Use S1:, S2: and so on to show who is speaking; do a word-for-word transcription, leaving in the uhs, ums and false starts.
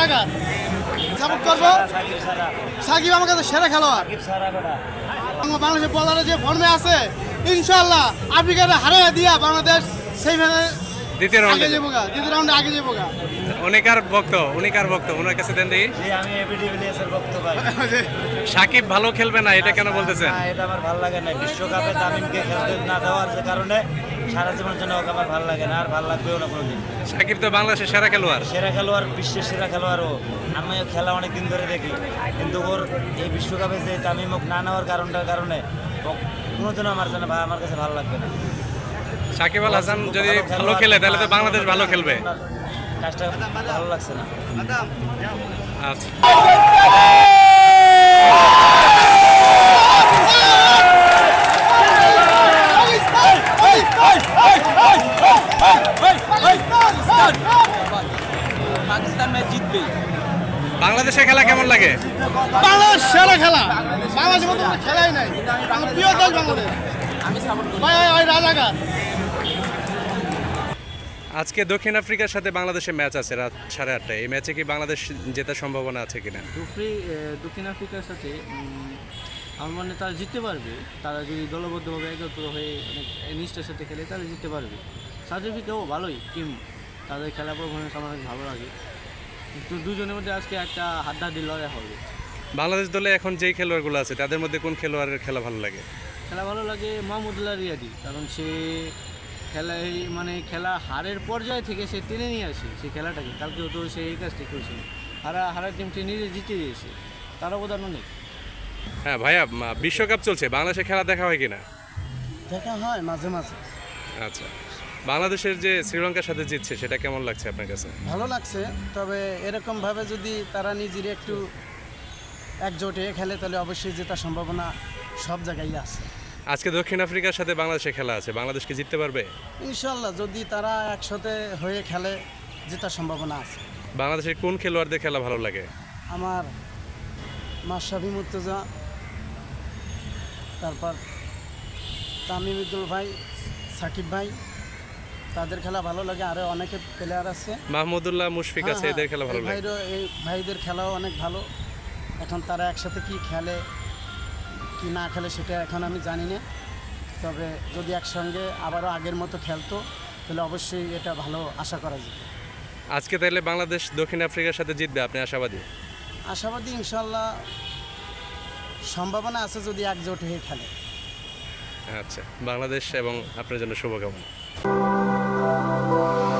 S1: রাজাকার সাপোর্ট করবো সাকিব আমার কাছে সেরা খেলোয়াড়। বাংলাদেশের বলারে যে ফর্মে আছে ইনশাআল্লাহ আফ্রিকার হারিয়ে দিয়া বাংলাদেশ সেমিফাইনালে
S2: দ্বিতীয় রাউন্ডে
S1: আগে যাবো গা দ্বিতীয় রাউন্ডে আগে যাবো গা।
S2: অনেকার ভক্ত অনেকার ভক্ত ওনার কাছে দেন দেখি।
S3: আমি এবিডি ভিলিয়ার্সের ভক্ত ভাই।
S2: সাকিব ভালো খেলবে না এটা কেন বলতেছেন?
S3: না এটা আমার ভালো লাগে না, বিশ্বকাপে তামিমকে খেলতে না দেওয়ার যে কারণে সারা জীবনের জন্য ওকে আমার ভালো লাগে না, আর ভালো লাগবেও না কোনোদিন।
S2: সাকিব তো বাংলাদেশের সেরা খেলোয়াড়,
S3: সেরা খেলোয়াড়, বিশ্বের সেরা খেলোয়াড়ও। আমি খেলা অনেক দিন ধরে দেখি, কিন্তু ওর এই বিশ্বকাপে যে তামিম না নেওয়ার কারণটার কারণে কোনোদিনও আমার জন্য আমার কাছে ভালো লাগবে না।
S2: সাকিব আল হাসান যদি ভালো খেলে তাহলে তো বাংলাদেশ ভালো খেলবে।
S3: কাজটা ভালো লাগছে না।
S2: আচ্ছা
S3: পাকিস্তান ম্যাচ জিতবে।
S2: বাংলাদেশের খেলা কেমন লাগে?
S1: বাংলাদেশ সেরা খেলা, বাংলাদেশের মতো কোনো খেলাই নাই। আমার প্রিয় দল বাংলাদেশ,
S3: আমি সাপোর্ট করি
S1: ভাই ভাই রাজাকার।
S2: আজকে দক্ষিণ আফ্রিকার সাথে বাংলাদেশের ম্যাচ আছে রাত সাড়ে আটটায়। এই ম্যাচে কি বাংলাদেশ জেতার সম্ভাবনা আছে কিনা?
S4: দুফ্রি দক্ষিণ আফ্রিকার সাথে উম, আমার মনে হয় তারা জিততে পারবে। তারা যদি দলবদ্ধভাবে একত্র হয়ে অনেক নিষ্ঠার সাথে খেলে তাহলে জিততে পারবে। সাউথ আফ্রিকাও ভালোই টিম, তাদের খেলা পারফরমেন্স আমার অনেক ভালো লাগে। কিন্তু দুজনের মধ্যে আজকে একটা হাড্ডাহাড্ডি লড়াই হবে।
S2: বাংলাদেশ দলে এখন যেই খেলোয়াড়গুলো আছে তাদের মধ্যে কোন খেলোয়াড়ের খেলা ভালো লাগে?
S4: খেলা ভালো লাগে মাহমুদুল্লাহ রিয়াদি, কারণ সে খেলায় মানে খেলা হারের পর্যায়ে থেকে সে টেনে নিয়ে আসে সেই খেলাটাকে। কালকেও তো সে এই কাজটি করেছিল, হারা হারার টিমটি নিজে জিতে দিয়েছে, তার অবদান অনেক।
S2: হ্যাঁ ভাইয়া, মা- বিশ্বকাপ চলছে, বাংলাদেশের খেলা দেখা হয় কিনা?
S1: দেখা হয় মাঝে মাঝে,
S2: আচ্ছা, বাংলাদেশের যে শ্রীলঙ্কার সাথে জিতছে সেটা কেমন লাগছে আপনার কাছে?
S1: ভালো লাগছে। তবে এরকমভাবে যদি তারা নিজের একটু একজোট হয়ে খেলে তাহলে অবশ্যই জেতার সম্ভাবনা সব জায়গায় আছে।
S2: আজকে দক্ষিণ আফ্রিকার সাথে বাংলাদেশের খেলা আছে, বাংলাদেশ কি জিততে পারবে?
S1: ইনশাল্লাহ যদি তারা একসাথে হয়ে খেলে জেতার সম্ভাবনা আছে।
S2: বাংলাদেশের কোন খেলোয়াড়দের খেলা ভালো লাগে?
S1: আমার মাশরাফি মুর্তজা, তারপর তামিম ইকবাল ভাই, সাকিব ভাই, তাদের খেলা ভালো লাগে। আরও অনেকে প্লেয়ার আছে,
S2: মাহমুদুল্লাহ, মুশফিক আছে,
S1: হ্যাঁ,
S2: এদের খেলা ভালো
S1: এই
S2: লাগে।
S1: ভাইরও এই ভাইদের খেলাও অনেক ভালো। এখন তারা একসাথে কি খেলে কি না খেলে সেটা এখন আমি জানি না। তবে যদি একসঙ্গে আবারও আগের মতো খেলতো তাহলে অবশ্যই এটা ভালো আশা করা যেত।
S2: আজকে তাহলে বাংলাদেশ দক্ষিণ আফ্রিকার সাথে জিতবে, আপনি আশাবাদী?
S1: আশাবাদী, ইনশাল্লাহ সম্ভাবনা আছে যদি একজোট হয়ে খেলে।
S2: আচ্ছা, বাংলাদেশ এবং আপনার জন্য শুভকামনা।